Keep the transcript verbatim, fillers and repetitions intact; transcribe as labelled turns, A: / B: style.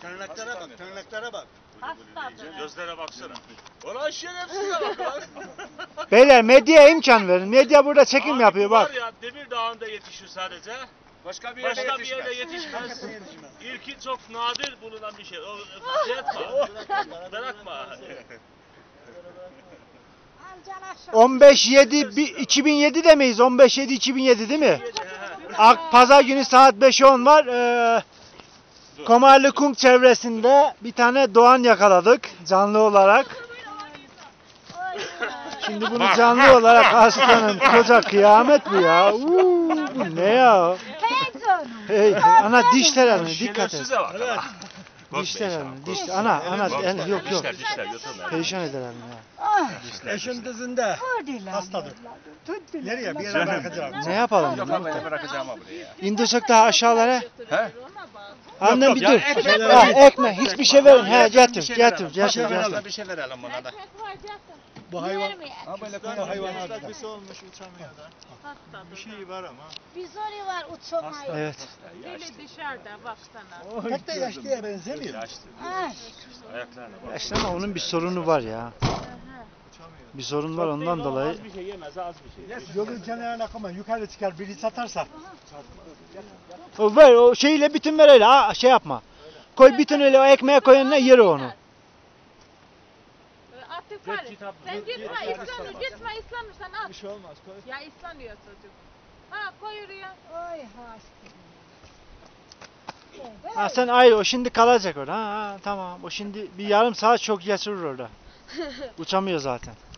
A: Tırnaklara bak, tırnaklara bak.
B: Hastadır.
C: Gözlere baksana. Ulan şerefsize bak lan.
D: Beyler medyaya imkan verin. Medya burada çekim
C: Abi
D: yapıyor
C: bu
D: bak.
C: Var ya Demir Dağı'nda yetişiyor sadece.
A: Başka bir yerde
C: Başka bir
A: yetişmez.
C: yerde yetişmez. İlki çok nadir bulunan bir şey. O, şey etme. Bırakma.
D: on beş yedi bi- iki bin yedi demeyiz. on beş yedi iki bin yedi değil mi? Ak Pazar günü saat beş on var. Ee, Komarlı Kung çevresinde bir tane doğan yakaladık canlı olarak. Şimdi bunu canlı olarak aslanın koca kıyamet bu ya. Uuu, bu ne ya? Hey, ana dişler alın dikkat et.
C: Şerefsize bak. lan.
D: Dişler
C: Korkma
D: alın.
C: inşallah,
D: Diş,
C: korkma.
D: ana ana
C: Korkma.
D: el, yok yok.
C: Dişler dişler götürme.
D: Perişan eder ya.
A: Eşim dizinde. Hastadır. Nereye? Bir yere bırakacağım.
D: Ne yapalım?
A: Yok abi bırakacağım abi buraya.
D: İndirsek daha aşağılara.
A: He?
D: Annem bir
A: yok,
D: dur.
A: ya, ekmek
D: Ha,
A: verelim.
D: ekmek hiçbir şey verin. He
A: Bir
D: getir
A: şey
D: getir
A: verelim.
D: getir
A: Bir şey
D: getir.
A: verelim, bir şey verelim buna da. Bu hayvan, ha böyle koyu hayvan var.
E: Bir şey olmuş uçamıyor da.
B: Hastadır.
E: Bir şey var ama.
F: Bir zoru var uçamayı.
D: Evet.
B: Deli dışarıda baksana.
A: Pek de yaşlıya benzemiyor.
F: Ay.
C: Ayaklarına bak.
D: İşte ama onun bir sorunu var ya. Bir sorun var ondan dolayı.
C: Az bir şey yemez az bir şey.
A: Yolun kenarına koyma, yukarı çıkar biri satarsa.
D: O ver o şeyle bütün ver öyle ha şey yapma. Koy bütün öyle o ekmeğe koy önüne yer onu.
B: Atıp var. Sen gitme ıslanır. Gitme ıslanırsan at.
E: Bir şey olmaz. Koy.
B: Ya ıslanıyor çocuk. Ha koy oraya.
F: Oy hasta.
D: Ha sen ayrı o şimdi kalacak orada. Ha, ha tamam. O şimdi bir yarım saat çok geçirir orada. Uçamıyor zaten.